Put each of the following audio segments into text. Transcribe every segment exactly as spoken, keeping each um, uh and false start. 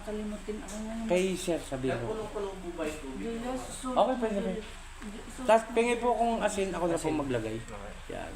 makalimutin ako ngayon. Kay Sir, sabihin ko. Nagkulong-kulong po ba yung tubig? Julius, sus. Okay, pwede, pwede. Tapos pingi po kung asin, ako na po maglagay. Okay. Yan.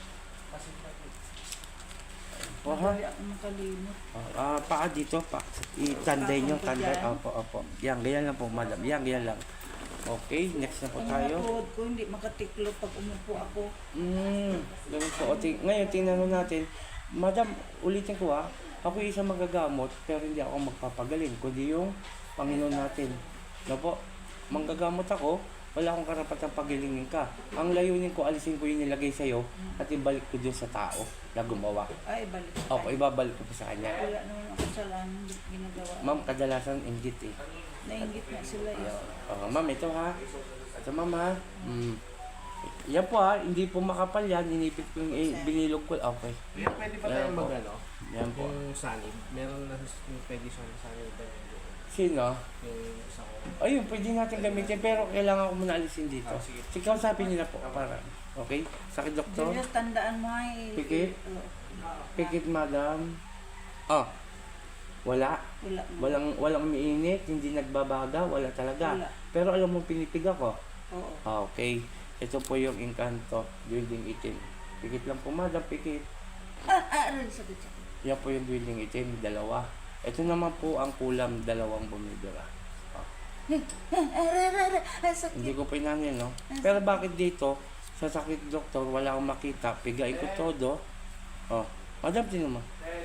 Madali ako makalimot. Ah, paa dito, pa. I-tanday nyo, tanday. Opo, opo. Yan, ganyan lang po, madam. Yan, ganyan lang. Okay, next na po Ang tayo. mga tuhod ko hindi makatiklop pag umupo ako. Hmm, ganun po. O, ting ngayon, tingnan mo natin. Madam, ulitin ko ah. Ako yung isang magagamot, pero hindi ako magpapagaling. Kundi yung Panginoon natin. No po? Manggagamot ako, wala akong karapatang pagilingin ka. Ang layunin ko, alisin ko yung nilagay sa'yo at ibalik ko dun sa tao na gumawa. Ay, balik. Opo, ibabalik ko po sa kanya. Wala naman ako kasalanan, hindi ko ginagawa. Ma'am, kadalasan inggit eh. Nainggit na sila eh. Oh, ma'am, ito ha. Ito ma'am ha. Mm. Yan po ha, hindi po makapal yan. Inipit ko yung eh, binilog ko. Okay. Yan, pwede pa Yan tayong po. mag-ano? Yan po. Yung sanib. Meron na yung pwede siya ng sanib ba yun? Sino? Yung isa ko. Ayun, pwede natin gamitin pero kailangan ko muna alisin dito. Ah, sige. Sige, kausapin nyo na po. Para. Okay? Sakit doktor? Julius, tandaan mo ay... Pikit? Oo. Pikit madam. Ah. Wala. Wala na. Walang walang umiinit, hindi nagbabaga, wala talaga. Wala. Pero alam mo pinipig ako. Oo. Ah, okay. Ito po yung Encanto, building itim. Pikit lang po madam, pikit. Ah, ah, aray, sakit sakit. Yan po yung building itim, dalawa. Ito naman po ang kulam, dalawang bumibira. Ah. Aray, aray, aray, aray, sakit. Hindi ko pinanin, no? Pero bakit dito, sa sakit doktor, wala akong makita, pigain ko todo. Oh, madam, tinan mo.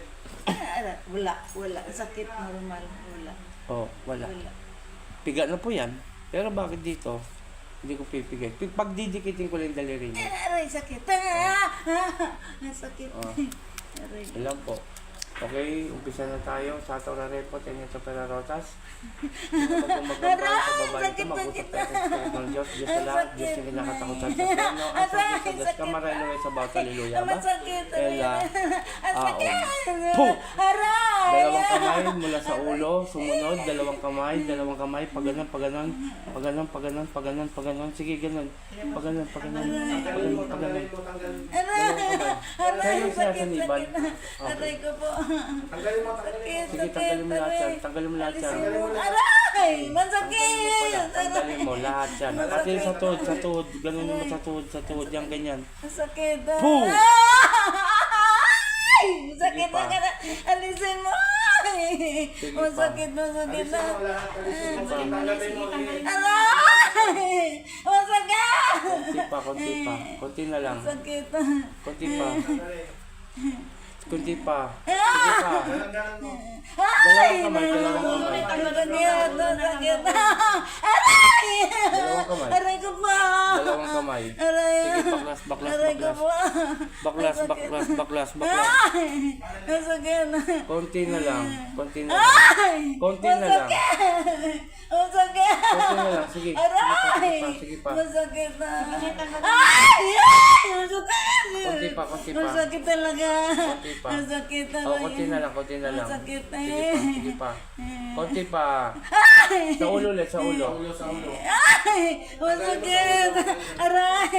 Ah, aray, wala, wala. Sakit, normal, wala. Oh, wala. Wala. Piga na po yan. Pero bakit dito, hindi ko pipigay. Pag pagdidikitin ko lang yung daliri niya. Aray, sakit. Ah, ah, ah, sakit. Oh. Aray. Ilan po. Okay, umpisa na tayo. Sa Torah Repot, yan yung Topera Rotas. Pag magambal sa babae ito, mag-usap tayo sa Spirit ng Diyos. Diyos sa lahat, Diyos yung kinakatakutan sa Peno. Ang sakit sa Diyos, kamaralo sa bawat haleluya ba? Masakit. Ela, Ang sakit. Puh! Aray. Dalawang kamay mula sa ulo, sumunod, dalawang kamay, dalawang kamay, paganon, paganon, paganon, paganon, paganon, paganon, sige, ganon, paganon, paganon, paganon, paganon. Aray. Aray, Sa'yo siya sa sakit, niban. sakit. Aray ko po. Tanggalin mo, tanggalin mo. Sakit, Sige, sakit. tanggalin mo lahat yan, Aray. tanggalin mo lahat yan. Alisin mo. Aray. Masakit. Tanggalin mo lahat yan. Pati sa tuhod, sa tuhod, ganun mo sa tuhod, sa tuhod, yan ganyan. Sakit. Puh! Ay! Sakit Sige pa. na ka na. Alisin mo. Ay! Sige pa. Masakit, masakit na. Alisin mo lahat. Alisin mo. Tanggalin mo. Aray! Masakit! Konti pa, konti pa. Konti na lang. Sakit. Konti pa. Tanggalin. Konti pa. Sige pa. Tanggalin mo. Dalawang kamay, dalawang kamay. Masakit, masakit. Aray! Dalawang kamay. Aray ko pa. Dalawang kamay. Aray. Sige, baklas, baklas, Aray ko baklas. pa. Baklas, baklas, baklas, baklas. Ay! Masakit. Konti na lang. Konti na lang. Ay! Konti na lang. Masakit! Konti na lang. Sige. Sige pa, Aray! sige pa, sige pa. Masakit na. Ay! Ay! Masakit! Konti pa, konti pa. Masakit talaga. Konti pa. Masakit talaga. Oh, konti na lang, konti na lang. Masakit na Sige eh. pa, sige pa. Konti pa. Ay! Sa ulo ulit, sa ulo. Ulo sa ulo. Ay! Masakit! Aray!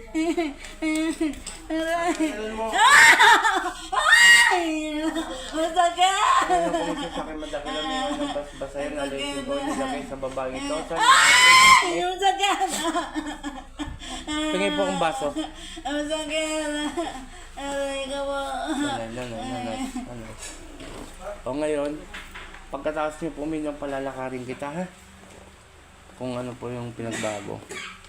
Aray! Tanggalin mo. Ay! Masakit! Ano kung masasakit madaki lang yung bas basahin na alisin ko nilagay sa babae ito. Saan? Ay! Masakit! Tingin po ang baso. Masakit! Aray ka po. Nanay, nanay, nanay. Nanay. O ngayon, pagkatapos niyo po uminom, palalakarin kita ha. Kung ano po yung pinagbago.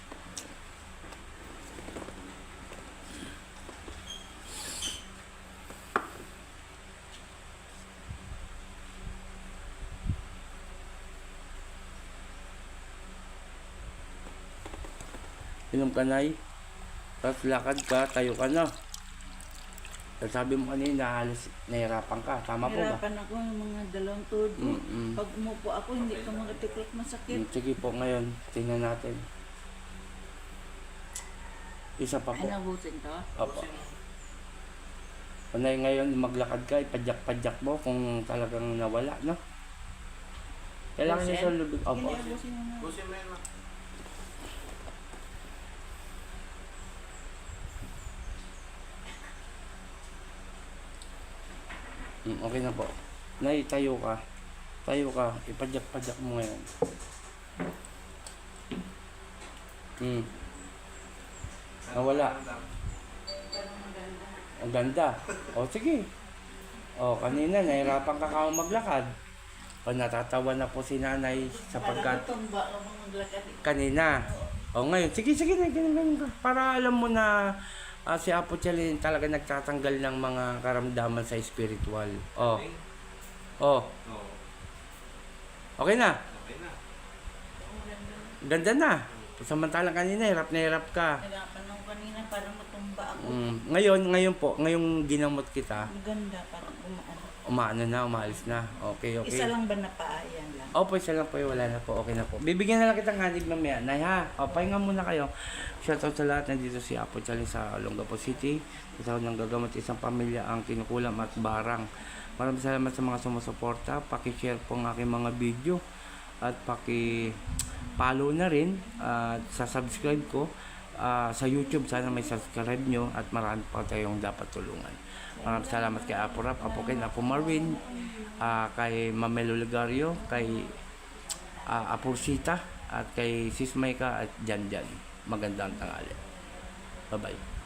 Inom ka nay. Tapos lakad ka, tayo ka na. Tapos sabi mo kanina, halos nahirapan ka. Tama po ba? Hirapan ako yung mga dalawang tuhod ko. Mm-mm. Pag umupo ako, hindi ka makatiklop masakit. Mm, sige po ngayon, tingnan natin. Isa pa Ay, po. nabusin to? Opo. Panay ngayon, maglakad ka, ipadyak-padyak mo kung talagang nawala, no? Kailangan niya sa lubig. Opo. Hindi, abusin mo na. Busin mo yun, ma. Mm, okay na po. Nay, tayo ka. Tayo ka, ipadyak-padyak mo ngayon. Hmm. Nawala. Ang ganda. O sige. O kanina, nahirapan ka ka maglakad. O natatawa na po si nanay sapagkat Tumba ka mga maglakad. kanina. O ngayon, sige, sige na, ganun, ganun ka. Para alam mo na ah, si Apo Chalin talaga nagtatanggal ng mga karamdaman sa spiritual. O. O. Okay na. Ganda na. Samantalang kanina, hirap na hirap ka. Nagapan ako kanina para matumba ako. Mm, ngayon, ngayon po, ngayong ginamot kita, Ang ganda, parang umaano. umaano na, umaalis na. Okay, okay. Isa lang ba napaayan lang? Opo, isa lang po, wala na po, okay na po. Bibigyan na lang kitang hanig mamaya. Nay ha, o, pahinga muna kayo. Shoutout sa lahat, nandito si Apo Chalin sa Olongapo City. Isa ko nang gagamot isang pamilya ang kinukulam at barang. Maraming salamat sa mga sumusuporta. Paki-share po ang aking mga video. At paki-follow na rin. At sa subscribe ko. ah, sa YouTube, sana may subscribe nyo. At marami pa tayong dapat tulungan. Maraming salamat kay Apo Rap, Apo Ken, Apo Marvin, ah, kay Mamelo Ligario, kay ah, Apo Sita, at kay Sis Maika at Jan Jan. Magandang tanghali. Bye-bye.